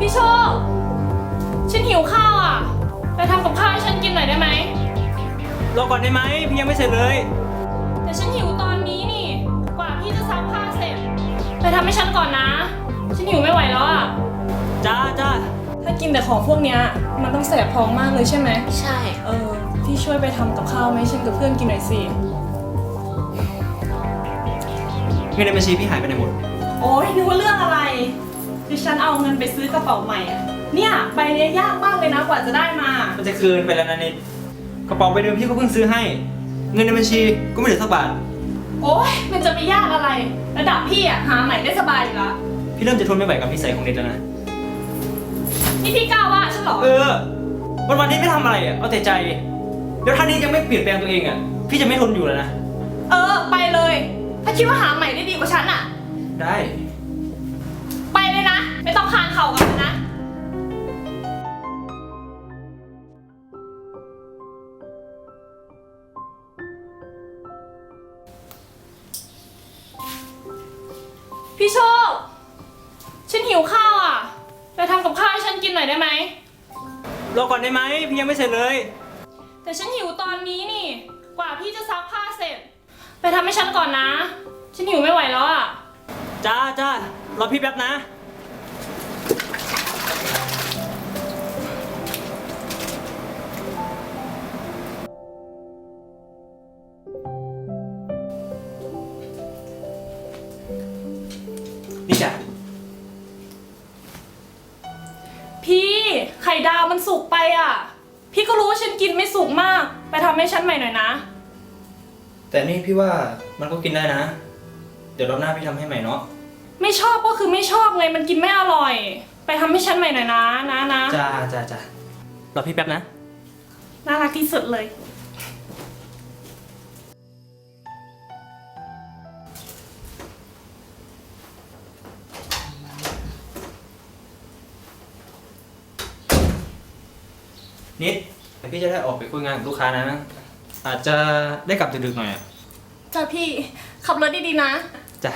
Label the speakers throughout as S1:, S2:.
S1: พี่โชคฉันหิวข้าวอ่ะไปทำกับข้าวให้ฉันกินหน่อยได้ไหม
S2: รอก่อนได้ไหมพี่ยังไม่เสร็จเลย
S1: แต่ฉันหิวตอนนี้นี่กว่าพี่จะซักผ้าเสร็จไปทำให้ฉันก่อนนะฉันหิวไม่ไหวแล้วอ่ะ
S2: จ้า
S1: ถ้ากินแต่ของพวกเนี้ยมันต้องแสบท้องมากเลยใช่ไหม
S3: ใช่
S1: พี่ช่วยไปทำกับข้าวไหมฉันกับเพื่อนกินหน่อยสิ
S2: เงินในบัญชีพี่หายไปไหนหมด
S1: โอ๊ยนึกว่าเรื่องอะไรดิฉันเอาเงินไปซื้อกระเป๋าใหม่อ่ะเนี่ยใบเนี้ยยากมากเลยนะกว่าจะได้มา
S2: มันจะคืนไปแล้วนะนิดกระเป๋าใบเดิมพี่ก็เพิ่งซื้อให้เงินในบัญชีก็ไม่เหลือสักบาท
S1: โอ๊ยมันจะไปยากอะไรระดับพี่อ่ะหาใหม่ได้สบายอยู่ละ
S2: พี่เริ่มจะทนไม่ไหวกับนิสัยของนิดแล้วนะ
S1: นี่พี่กล้าว่าฉันเหรอ
S2: วันนี้ไม่ทำอะไรอ่ะเอาแต่ใจแล้วถ้านี้ยังไม่เปลี่ยนแปลงตัวเองอ่ะพี่จะไม่ทนอยู่แล้วนะ
S1: ไปเลยถ้าคิดว่าหาใหม่ได้ดีกว่าฉันอ่ะ
S2: ได้
S1: ไปเลยนะไม่ต้องคานเข่ากันนะพี่โชคฉันหิวข้าวอ่ะไปทำกับข้าวให้ฉันกินหน่อยได้ไหม
S2: รอก่อนได้ไหมพี่ยังไม่เสร็จเลย
S1: แต่ฉันหิวตอนนี้นี่กว่าพี่จะซักผ้าเสร็จไปทำให้ฉันก่อนนะฉันหิวไม่ไหวแล้วอ่ะ
S2: จ้ารอพี่แป๊บนะนี่จ้ะ
S1: พี่ไข่ดาวมันสุกไปอ่ะพี่ก็รู้ว่าฉันกินไม่สุกมากไปทำให้ฉันใหม่หน่อยนะ
S2: แต่นี่พี่ว่ามันก็กินได้นะเดี๋ยวรอบหน้าพี่ทำให้ใหม่เนาะ
S1: ไม่ชอบก็คือไม่ชอบไงมันกินไม่อร่อยไปทำให้ฉันใหม่หน่อยนะ
S2: จ้ารอพี่แป๊บนะ
S1: น่ารักที่สุดเลย
S2: นิดแต่พี่จะได้ออกไปคุยงานกับลูกค้านะอาจจะได้กลับดึกๆหน่อยอ่ะ
S1: จ้ะพี่ขับรถดีๆนะ
S2: จ้ะ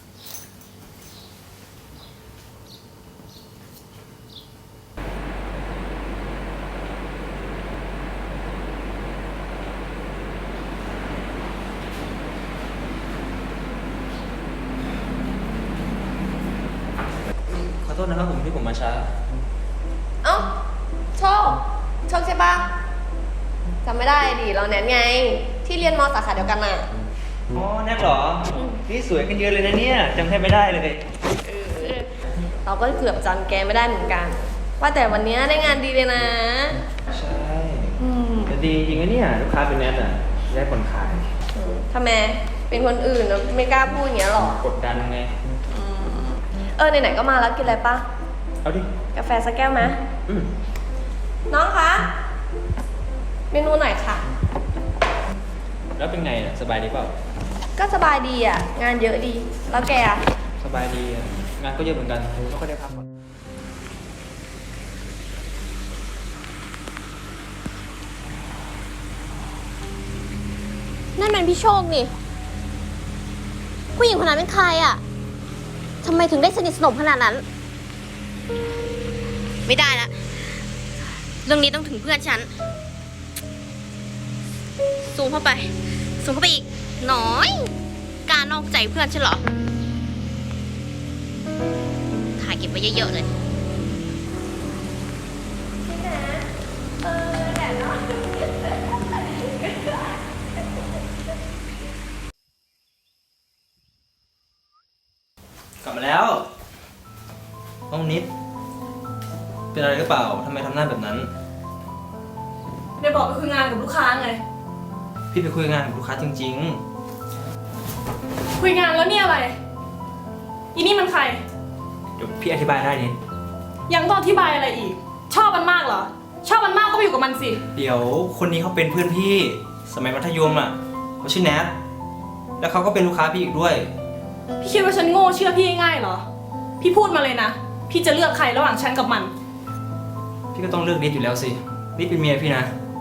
S2: ขอโทษนะครับผมที่ผมมาช้า
S3: เอ้าโชคใช่ปะจำไม่ได้ดิเราแนทไงที่เรียนมสาขาเดียวกันน่ะ
S2: อ๋อแนทเหรอนี่สวยขึ้นเยอะเลยนะเนี่ยจำแทบไม่ได้เลย
S3: เราก็เกือบจำแกไม่ได้เหมือนกันว่าแต่วันนี้ได้งานดีเลยนะ
S2: ใช่แต่ดีจริงนะเนี่ยลูกค้าเป็นแนทอ่ะได้ผลขาย
S3: ทำไมเป็นคนอื่นแล้วไม่กล้าพูดอย่างเงี้ยหรอก
S2: ดดันไง
S3: ไหนๆก็มาแล้วกินอะไรปะ
S2: เอาดิ
S3: กาแฟสักแก้วไหมน้องคะเมนูหน่อยค่ะ
S2: แล้วเป็นไงอ่ะสบายดีเปล่า
S3: ก็สบายดีอ่ะงานเยอะดีแล้วแกอ่ะ
S2: สบายดีงานก็เยอะเหมือนกันไม่ค่อยได้พักผ่อน
S4: นั่นเป็นพี่โชคนี่ผู้หญิงคนนั้นเป็นใครอ่ะทำไมถึงได้สนิทสนมขนาดนั้นไม่ได้ละเรื่องนี้ต้องถึงเพื่อนฉันซูมเข้าไปอีกน้อยการนอกใจเพื่อนฉันเหรอถ่ายเก็บไว้เยอะๆเลย
S2: กลับมาแล้วห้องนิดเป็นอะไรหรือเปล่าทำไมทำหน้าแบบนั้น
S1: ได้บอกไปคุยงานกับลูกค้าไง
S2: พี่ไปคุยงานกับลูกค้าจริง
S1: ๆคุยงานแล้วเนี่ยอะไรอีนี่มันใคร
S2: เดี๋ยวพี่อธิบายได้นิด
S1: ยังต้องอธิบายอะไรอีกชอบมันมากเหรอชอบมันมากก็ไปอยู่กับมันสิ
S2: เดี๋ยวคนนี้เขาเป็นเพื่อนพี่สมัยมัธยมอ่ะเขาชื่อแนทแล้วเขาก็เป็นลูกค้าพี่อีกด้วย
S1: พี่คิดว่าฉันโง่เชื่อพี่ง่ายเหรอพี่พูดมาเลยนะพี่จะเลือกใครระหว่างฉันกับมัน
S2: พี่ก็ต้องเลือกนิดอยู่แล้วสินิดเป็นเมียพี่นะ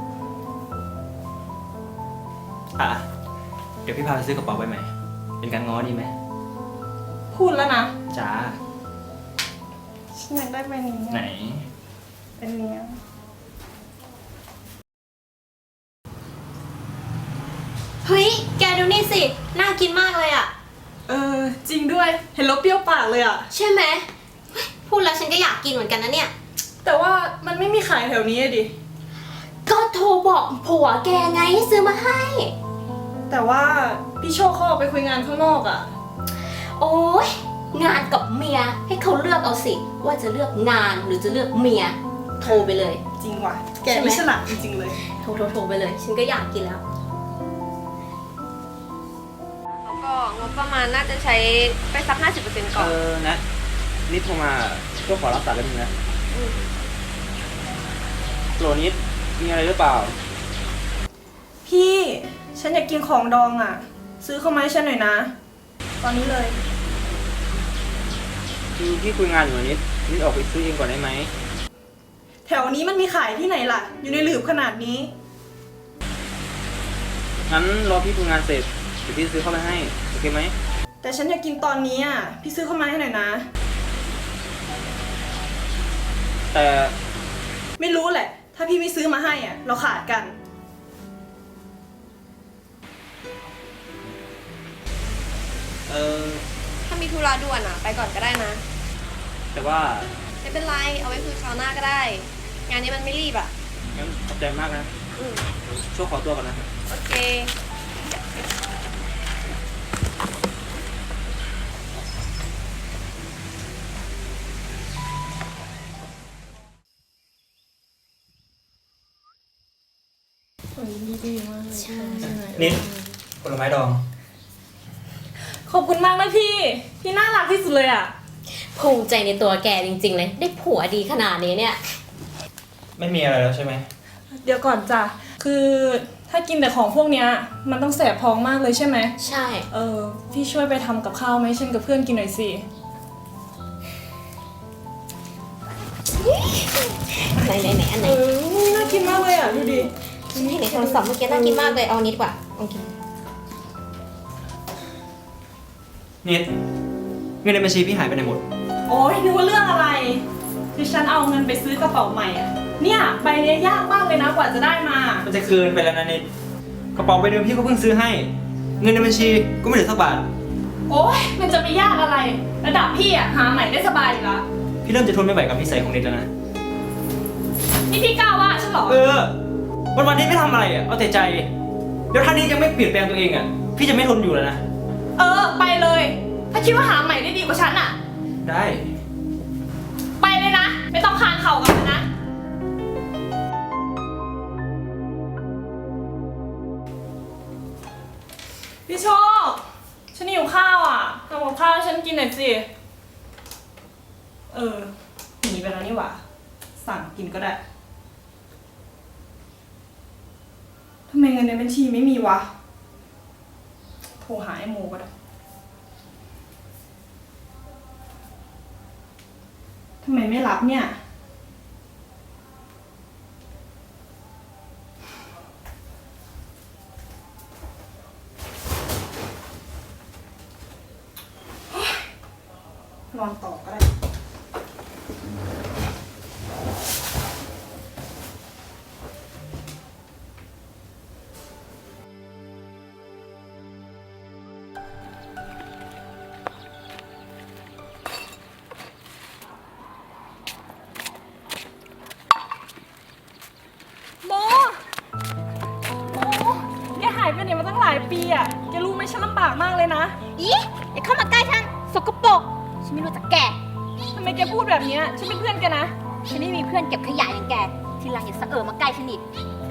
S2: เดี๋ยวพี่พาไปซื้อกระเป๋าใบใหม่เป็นการง้อดีไหม
S1: พูดแล้วนะ
S2: จ้า
S1: ฉันอยากได้ใบนี้
S2: ไหน
S1: เป็นเนี้ย
S4: เฮ้ย แกดูนี่สิ น่ากินมากเลยอะ
S1: จริงด้วย เห็นแล้วเปรี้ยวปากเลยอ่ะ
S4: ใช่ไหมเฮ้ยพูดแล้วฉันก็อยากกินเหมือนกันนะเนี่ย
S1: แต่ว่ามันไม่มีขายแถวนี้อะดิ
S4: ก็โทรบอกผัวแกไงให้ซื้อมาให้
S1: แต่ว่าพี่โชคเขาออกไปคุยงานข้างนอกอ่ะ
S4: โอ๊ย งานกับเมียให้เขาเลือกเอาสิ ว่าจะเลือกงานหรือจะเลือกเมีย โทรไปเลย
S1: จริงว่ะ แก
S4: ใช่ไหม
S1: ไม่ฉลาดจริงๆเลย
S4: โทรไปเลย ฉันก็อยากกินแล้ว
S3: แล้วก็งบประมาณน่าจะใช้ไปสัก 50% ก่อน
S2: นะนิดโทรมาก็ขอรับสายแล้วนึงนะโหลนิดมีอะไรหรือเปล่า
S1: พี่ ฉันอยากกินของดองอ่ะ ซื้อเข้ามาให้ฉันหน่อยนะ ตอนนี้เลย
S2: คือพี่คุยงานอยู่นิดออกไปซื้อเองก่อนได้ไหม
S1: แถวนี้มันมีขายที่ไหนล่ะ อยู่ในหลืบขนาดนี้
S2: งั้นรอพี่คุยงานเสร็จเดี๋ยวพี่ซื้อเข้าไปให้โอเคไหม
S1: แต่ฉันอยากกินตอนนี้อ่ะ พี่ซื้อเข้ามาให้หน่อยนะ
S2: แต่
S1: ไม่รู้แหละ ถ้าพี่ไม่ซื้อมาให้อ่ะ เราขาดกัน
S3: ถ้ามีธุระด่วนอ่ะ ไปก่อนก็ได้นะ
S2: แต่ว่า
S3: ไม่เป็นไร เอาไว้คุยคราวหน้าก็ได้ งานนี้มันไม่รีบอ่ะ
S2: งั้นขอบใจมากนะ
S3: อืม
S2: ช่วยขอตัวก่อนนะ
S3: โอเค
S2: นิดผลไม้ดอง
S1: ขอบคุณมากนะพี่ พี่น่ารักที่สุดเลยอ่ะ
S4: ภูมิใจในตัวแกจริงๆเลย ได้ผัวดีขนาดนี้เนี่ย
S2: ไม่มีอะไรแล้วใช่ไหม
S1: เดี๋ยวก่อนจ้ะ คือถ้ากินแต่ของพวกเนี้ย มันต้องแสบท้องมากเลยใช่ไหม
S4: ใช่
S1: พี่ช่วยไปทำกับข้าวไหมฉันกับเพื่อนกินหน่อยสิ
S4: ไหนอันไหน
S1: น่ากินมากเลยอ่ะ ดูดิ
S4: ฉันเห็นในโทรศัพท์เมื่อกี้น่ากินมากเลย เอาอันนี้ดีกว่าโอเค
S2: นิดเงินในบัญชีพี่หายไปไหนหมด
S1: โอ้ยนึกว่าเรื่องอะไร คือฉันเอาเงินไปซื้อกระเป๋าใหม่อ่ะ เนี่ยใบเนี้ยยากมากเลยนะกว่าจะได้มา
S2: มันจะคืนไปแล้วนะนิดกระเป๋าใบเดิมพี่ก็เพิ่งซื้อให้ เงินในบัญชีก็ไม่เหลือสักบาท
S1: โอ้ยมันจะไปยากอะไร ระดับพี่อ่ะหาใหม่ได้สบายอยู่ละ
S2: พี่เริ่มจะทนไม่ไหวกับนิสัยของนิดแล้วนะ
S1: นี่พี่กล้าว่าฉันเหรอ
S2: วันนี้ไม่ทำอะไรอ่ะ เอาแต่ใจ แล้วถ้านิดยังไม่เปลี่ยนแปลงตัวเองอ่ะ พี่จะไม่ทนอยู่แล้วนะ
S1: ไปเลย ถ้าคิดว่าหาใหม่ได้ดีกว่าฉันอ่ะ
S2: ได้
S1: ไปเลยนะ ไม่ต้องคานเข่ากับมันนะ พี่โชค ฉันหิวข้าวอ่ะทำกับข้าวให้ฉันกินหน่อยสิ หนีไปแล้วนี่หว่า สั่งกินก็ได้ ทำไมเงินในบัญชีไม่มีวะ โทรหาไอ้โมก็ได้ ทำไมไม่รับเนี่ย นอนต่อก็ได้ โมแกหายไปไหนมาตั้งหลายปีอ่ะ แกรู้ไหมฉันลำบากมากเลยนะ
S4: อีอย่าเข้ามาใกล้ฉัน สกปรก ฉันไม่รู้จักแก
S1: ทำไมแกพูดแบบเนี้ยฉันเป็นเพื่อนแกนะ
S4: ฉันไม่มีเพื่อนเก็บขยะอย่างแก ทีหลังอย่าสะเออมาใกล้ฉันอีก
S1: โ